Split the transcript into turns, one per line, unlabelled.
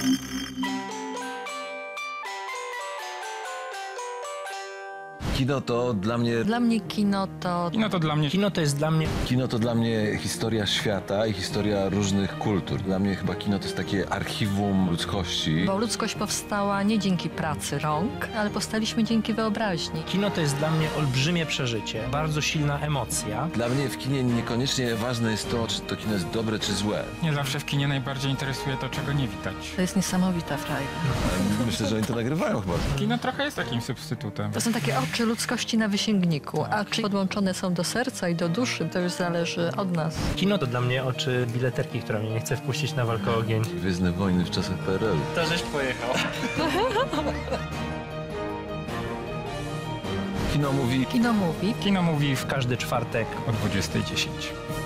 Kino to dla mnie...
Dla mnie kino to...
Kino to dla mnie...
Kino to jest dla mnie...
Kino to dla mnie historia świata i historia różnych kultur. Dla mnie chyba kino to jest takie archiwum ludzkości.
Bo ludzkość powstała nie dzięki pracy rąk, ale powstaliśmy dzięki wyobraźni.
Kino to jest dla mnie olbrzymie przeżycie, bardzo silna emocja.
Dla mnie w kinie niekoniecznie ważne jest to, czy to kino jest dobre, czy złe.
Nie zawsze w kinie najbardziej interesuje to, czego nie widać.
To jest niesamowita frajda.
Myślę, że oni to nagrywają chyba.
Kino trochę jest takim substytutem.
To są takie oczy ludzkości na wysięgniku, a czy podłączone są do serca i do duszy, to już zależy od nas.
Kino to dla mnie oczy bileterki, która mnie nie chce wpuścić na walkę o ogień.
Gwiezdne wojny w czasach PRL-u.
To żeś pojechał.
Kino mówi...
Kino mówi.
Kino mówi
W każdy czwartek
o 20:10.